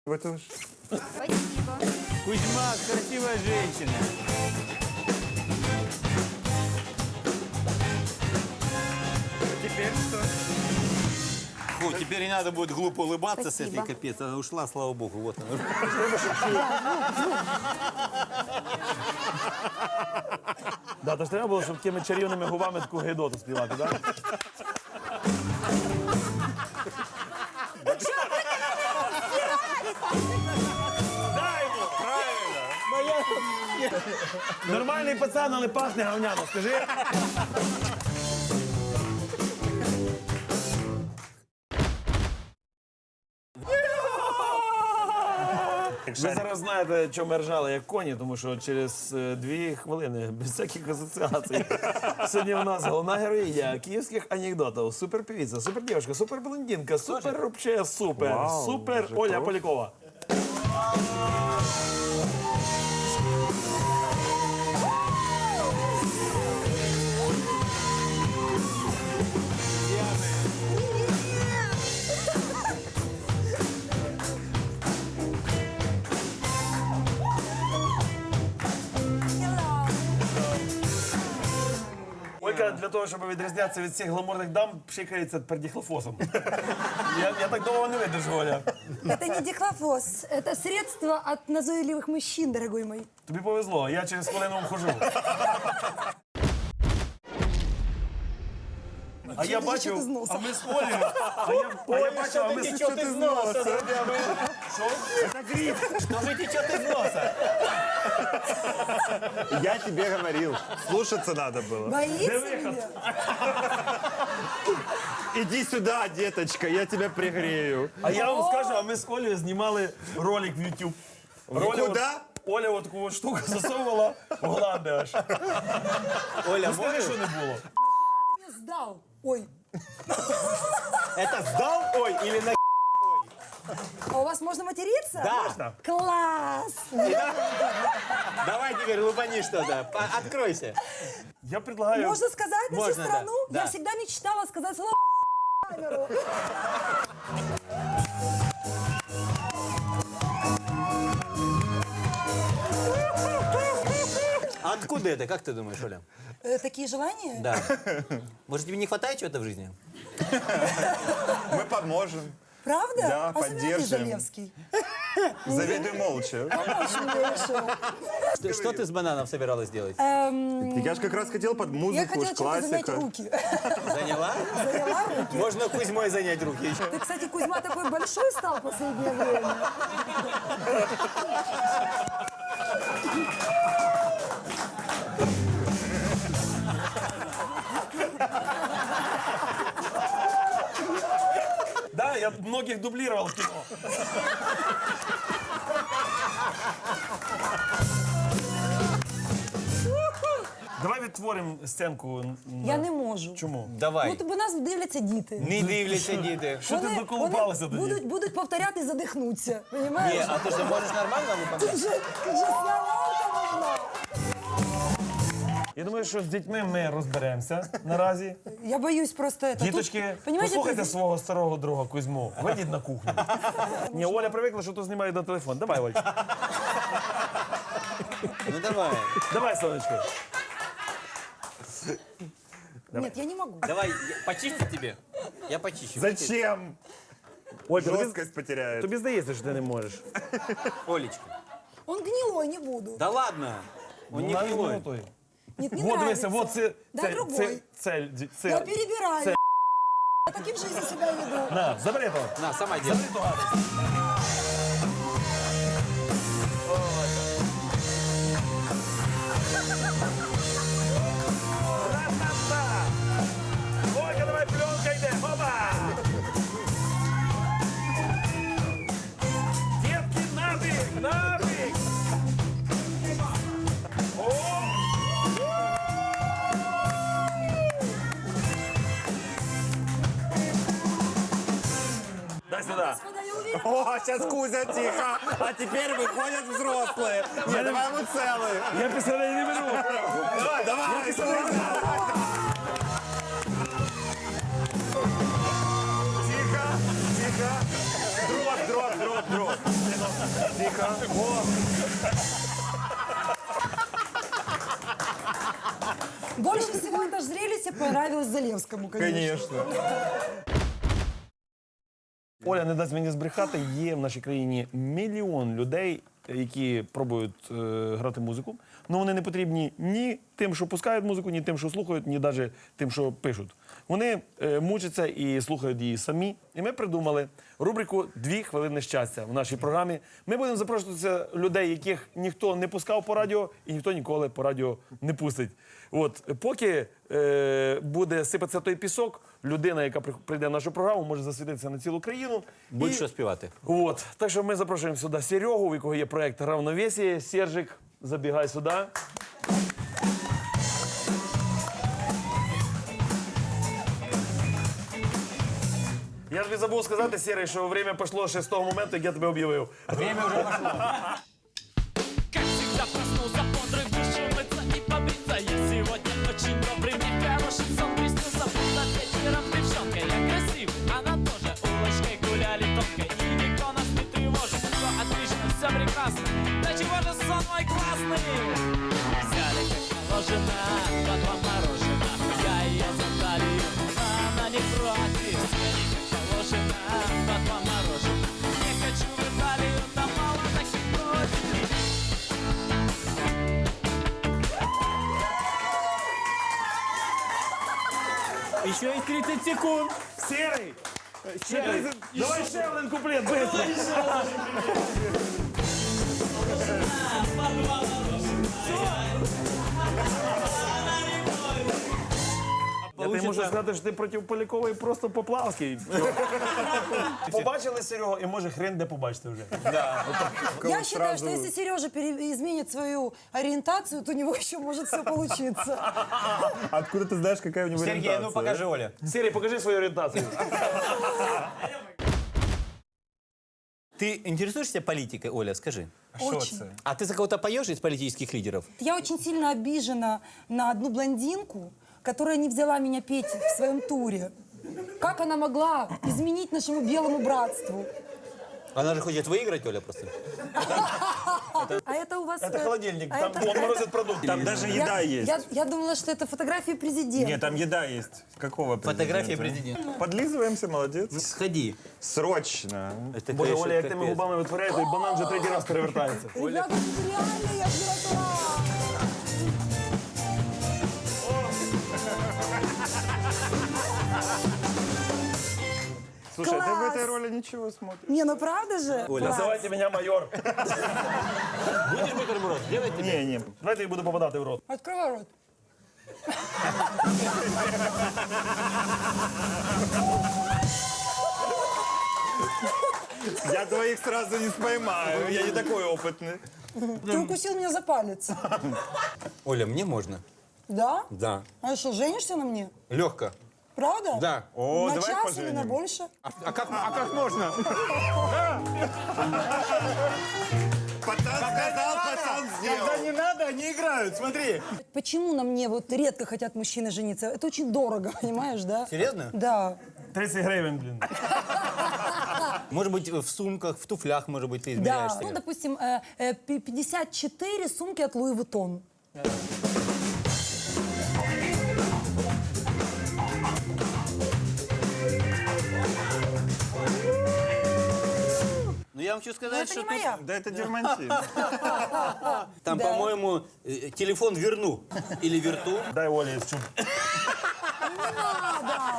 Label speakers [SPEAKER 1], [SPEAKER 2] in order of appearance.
[SPEAKER 1] Это ж...
[SPEAKER 2] Спасибо.
[SPEAKER 3] Кузьма, красивая женщина.
[SPEAKER 1] Теперь что?
[SPEAKER 3] Фу, теперь не надо будет глупо улыбаться с
[SPEAKER 2] Спасибо.
[SPEAKER 3] этой, капец. Она ушла, слава богу. Вот она.
[SPEAKER 4] Да, то ж треба було, щоб такими чарівними губами таку гейдоту співати, так? Дай йому! Правильно! Нормальний пацан, але пахне говняно, скажи. Ви зараз знаєте, чому ми ржали як коні, тому що через 2 хвилини, без всяких асоціацій, сьогодні у нас головна героїня київських анекдотів. Суперпевиця, супердівчинка, суперблондинка, супер вообще супер,
[SPEAKER 1] Вау,
[SPEAKER 4] супер
[SPEAKER 1] вже
[SPEAKER 4] Оля
[SPEAKER 1] то?
[SPEAKER 4] Полякова. Олька для того, щоб відрізнятися від всіх гламурних дам, пшикається пердіхлофосом. Я так довго не видержу, Оля.
[SPEAKER 5] Это не дихлофос, это средство от назойливых мужчин, дорогой мой.
[SPEAKER 4] Тобі повезло, я через хвилину вхожу. А я
[SPEAKER 5] Чё
[SPEAKER 4] бачив,
[SPEAKER 5] ти з носа?
[SPEAKER 4] а ми з Олею, а я бачив, а ми з
[SPEAKER 3] Течет из носа.
[SPEAKER 4] Що? Це гриб.
[SPEAKER 3] Что же течет из носа?
[SPEAKER 1] Я тебе говорил, слушаться надо было.
[SPEAKER 5] Боится
[SPEAKER 4] выход?
[SPEAKER 5] меня?
[SPEAKER 1] Иди сюда, деточка, я тебя пригрею.
[SPEAKER 4] А я вам скажу, а ми з Олею знімали ролик в YouTube.
[SPEAKER 1] Куда?
[SPEAKER 4] Оля от таку от штуку засовувала в гланди аж.
[SPEAKER 3] Оля,
[SPEAKER 4] Ну, скажи,
[SPEAKER 3] можешь?
[SPEAKER 4] що не було.
[SPEAKER 5] Я сдал. Ой,
[SPEAKER 3] Это сдал? Ой, или на...
[SPEAKER 5] а у вас можно материться?
[SPEAKER 3] Да.
[SPEAKER 4] Можна?
[SPEAKER 5] Класс!
[SPEAKER 3] Давай теперь лупани что-то. Откройся.
[SPEAKER 4] Я предлагаю...
[SPEAKER 5] Можно сказать на всю
[SPEAKER 3] Можно, да.
[SPEAKER 5] страну?
[SPEAKER 3] Да.
[SPEAKER 5] Я всегда мечтала сказать слово в камеру.
[SPEAKER 3] А откуда это? Как ты думаешь, Оля?
[SPEAKER 5] Такие желания?
[SPEAKER 3] Да. Может, тебе не хватает чего-то в жизни?
[SPEAKER 1] Мы поможем.
[SPEAKER 5] Правда?
[SPEAKER 1] Да,
[SPEAKER 5] Особенно ты,
[SPEAKER 1] поддержим.
[SPEAKER 5] Залевский.
[SPEAKER 1] Завидуй молча.
[SPEAKER 5] Помочь мне решил.
[SPEAKER 3] Что ты с бананов собиралась делать?
[SPEAKER 1] Я же как раз хотел под
[SPEAKER 5] Я
[SPEAKER 1] музыку,
[SPEAKER 5] хотела
[SPEAKER 1] уж
[SPEAKER 5] чем-то занять
[SPEAKER 1] классика.
[SPEAKER 5] руки.
[SPEAKER 3] Заняла?
[SPEAKER 5] Заняла руки.
[SPEAKER 3] Можно Кузьмой занять руки еще.
[SPEAKER 5] Ты, кстати, Кузьма такой большой стал в последнее время.
[SPEAKER 4] Да, я многих дублировал в кино. Давай відтворимо сценку.
[SPEAKER 5] Я не можу.
[SPEAKER 4] Чому?
[SPEAKER 3] Давай.
[SPEAKER 5] Ну, тобі нас дивляться діти.
[SPEAKER 3] Не дивляться, діти.
[SPEAKER 4] Що ти доколупалася тоді?
[SPEAKER 5] будуть повторяти і задихнуться.
[SPEAKER 3] Не,
[SPEAKER 5] Понимаєш?
[SPEAKER 3] а ты же можешь нормально выполнять?
[SPEAKER 5] Вже слова можна.
[SPEAKER 4] Я думаю, що з дітьми ми розберемося наразі.
[SPEAKER 5] Я боюсь просто это.
[SPEAKER 4] Діточки,
[SPEAKER 5] Тут, понимаете,
[SPEAKER 4] послухайте
[SPEAKER 5] ты-
[SPEAKER 4] свого старого друга Кузьму. Вийдіть на кухню. Ні, Оля привикла, що то знімають на телефон. Давай, Оль.
[SPEAKER 3] Ну давай.
[SPEAKER 4] Давай, сонечко.
[SPEAKER 5] Нет, я не могу.
[SPEAKER 3] Давай, почистить тебе? Я почищу.
[SPEAKER 1] Зачем?
[SPEAKER 4] Оль,
[SPEAKER 1] Жесткость потеряет.
[SPEAKER 4] тобі здається, що ти не можеш.
[SPEAKER 3] Олечка.
[SPEAKER 5] Он гнилой, не буду.
[SPEAKER 3] Да ладно. Он не
[SPEAKER 4] Навіть
[SPEAKER 3] гнилой.
[SPEAKER 4] молодой.
[SPEAKER 5] Нет, не
[SPEAKER 4] Вот
[SPEAKER 5] нравится.
[SPEAKER 4] дивися, вот це...
[SPEAKER 5] Да,
[SPEAKER 4] це,
[SPEAKER 5] другой.
[SPEAKER 4] це,
[SPEAKER 5] Я перебираю.
[SPEAKER 4] це-
[SPEAKER 5] Я так и в жизни себя веду.
[SPEAKER 4] На, забери того.
[SPEAKER 3] На, сама делай.
[SPEAKER 4] Забери ту гадость. Ра-та-та! Ольга, давай, пленка йде, опа! Детки, набіг, набіг! О! Дай сюда.
[SPEAKER 5] Господа, я уверена.
[SPEAKER 1] О, сейчас Кузя тихо, а теперь выходят взрослые. Не, давай ему целый.
[SPEAKER 4] Я пистолет не беру.
[SPEAKER 1] Давай, давай. Тихо, тихо. Дрот.
[SPEAKER 4] Тихо. О,
[SPEAKER 5] Больше всего это зрелище понравилось Залевскому, конечно.
[SPEAKER 1] Конечно.
[SPEAKER 4] Оля не дасть мені збрехати, є в нашій країні мільйон людей, які пробують грати музику, але вони не потрібні ні тим, що пускають музику, ні тим, що слухають, ні навіть тим, що пишуть. Вони мучаться і слухають її самі. І ми придумали рубрику «2 хвилини щастя» в нашій програмі. Ми будемо запрошувати людей, яких ніхто не пускав по радіо і ніхто ніколи по радіо не пустить. От, поки буде сипатися той пісок, людина, яка прийде в нашу програму, може засвітитися на цілу країну.
[SPEAKER 3] Будь що співати.
[SPEAKER 4] От, так що ми запрошуємо сюди Серегу, у якого є проект «Равновесие». Сержик, забігай сюди. Я тобі забув сказати, Серий, що время пішло ще з того моменту, як я тебе об'явив.
[SPEAKER 3] Время уже пошло.
[SPEAKER 2] Как всегда проснулся бодрый, вышел мыться и побриться. Я сегодня очень добрый, мне хороший сон приснился. Будто вечером девчонка, я красив, она тоже. Улочкой гуляли тонко, и никто нас не тревожит. Все отлично, все прекрасно, да чего же сон мой классный? Взяли как положено, по два морожена. Я ее за талию, а она не против. Взяли как положено, по два морожена. Не хочу в Италию, там мало таких против.
[SPEAKER 3] Еще есть 30 секунд.
[SPEAKER 4] Серий! Давай ще один куплет, быстро! Я тобі можу сказати, що ти проти Полякової просто Поплавський. Побачили Серегу, і може хрен де побачите вже.
[SPEAKER 5] Я считаю, что если Сережа изменит свою ориентацию, то у него еще может все получиться.
[SPEAKER 1] Откуда ты знаешь, какая у него
[SPEAKER 3] Сергей,
[SPEAKER 1] ориентация?
[SPEAKER 3] ну покажи, Оля.
[SPEAKER 4] Серій, покажи свою орієнтацію.
[SPEAKER 3] Ты интересуешься политикой, Оля, скажи?
[SPEAKER 5] Очень.
[SPEAKER 3] А ты за кого-то поешь из политических лидеров?
[SPEAKER 5] Я очень сильно обижена на одну блондинку, которая не взяла меня петь в своем туре. Как она могла изменить нашему белому братству?
[SPEAKER 3] Она же хочет выиграть, Оля, просто.
[SPEAKER 5] А это у вас...
[SPEAKER 4] Це холодильник,
[SPEAKER 5] а
[SPEAKER 4] там
[SPEAKER 5] это-
[SPEAKER 4] он морозить продукти.
[SPEAKER 1] Там даже еда есть.
[SPEAKER 5] Я думала, что это фотографии президента.
[SPEAKER 1] Нет, там еда есть. Какого президента?
[SPEAKER 3] Фотография президента.
[SPEAKER 1] Подлизываемся, молодец.
[SPEAKER 3] Сходи.
[SPEAKER 1] Срочно.
[SPEAKER 3] Это,
[SPEAKER 4] Боже,
[SPEAKER 3] конечно,
[SPEAKER 4] Оля, як тими
[SPEAKER 3] капец.
[SPEAKER 4] губами витворяє, той банан вже третій раз перевертається.
[SPEAKER 5] Ребята, это реально я взяла.
[SPEAKER 1] Слушай, ты в
[SPEAKER 5] Класс.
[SPEAKER 1] этой роли ничего смотришь.
[SPEAKER 5] Не, ну правда же?
[SPEAKER 3] Оля,
[SPEAKER 5] Класс.
[SPEAKER 4] Називайте мене майор.
[SPEAKER 3] Будешь бутерброд? Делай тебе.
[SPEAKER 1] Не.
[SPEAKER 4] Давайте я буду попадати в рот.
[SPEAKER 5] Открывай рот.
[SPEAKER 1] Я двоих сразу не споймаю. Я не такой опытный.
[SPEAKER 5] Ты укусил меня за палец.
[SPEAKER 3] Оля, мне можно?
[SPEAKER 5] Да?
[SPEAKER 3] Да.
[SPEAKER 5] А что, женишься на мне?
[SPEAKER 3] Легко.
[SPEAKER 5] Правда?
[SPEAKER 3] Да.
[SPEAKER 1] О,
[SPEAKER 5] на
[SPEAKER 1] давай
[SPEAKER 5] час или на
[SPEAKER 1] поженим.
[SPEAKER 5] больше?
[SPEAKER 3] А как можно?
[SPEAKER 1] Пацан сказал, пацан сделал.
[SPEAKER 3] Когда не надо, они играют, смотри.
[SPEAKER 5] Почему на мне вот редко хотят мужчины жениться? Это очень дорого, понимаешь, да?
[SPEAKER 3] Серьезно?
[SPEAKER 5] Да.
[SPEAKER 4] 30 гривень, блін.
[SPEAKER 3] Может быть, в сумках, в туфлях, может быть, ты
[SPEAKER 5] Да.
[SPEAKER 3] измеряешь
[SPEAKER 5] Ну,
[SPEAKER 3] себя.
[SPEAKER 5] допустим, 54 сумки от Луи Вуттон.
[SPEAKER 3] Ну, я вам хочу
[SPEAKER 5] Но
[SPEAKER 3] сказать,
[SPEAKER 5] это
[SPEAKER 3] что
[SPEAKER 5] не
[SPEAKER 3] тут,
[SPEAKER 5] моя.
[SPEAKER 1] Да это дермантин.
[SPEAKER 3] там,
[SPEAKER 5] Да.
[SPEAKER 3] по-моему, телефон верну. Или верту.
[SPEAKER 4] Дай Олі цю.
[SPEAKER 5] Не надо.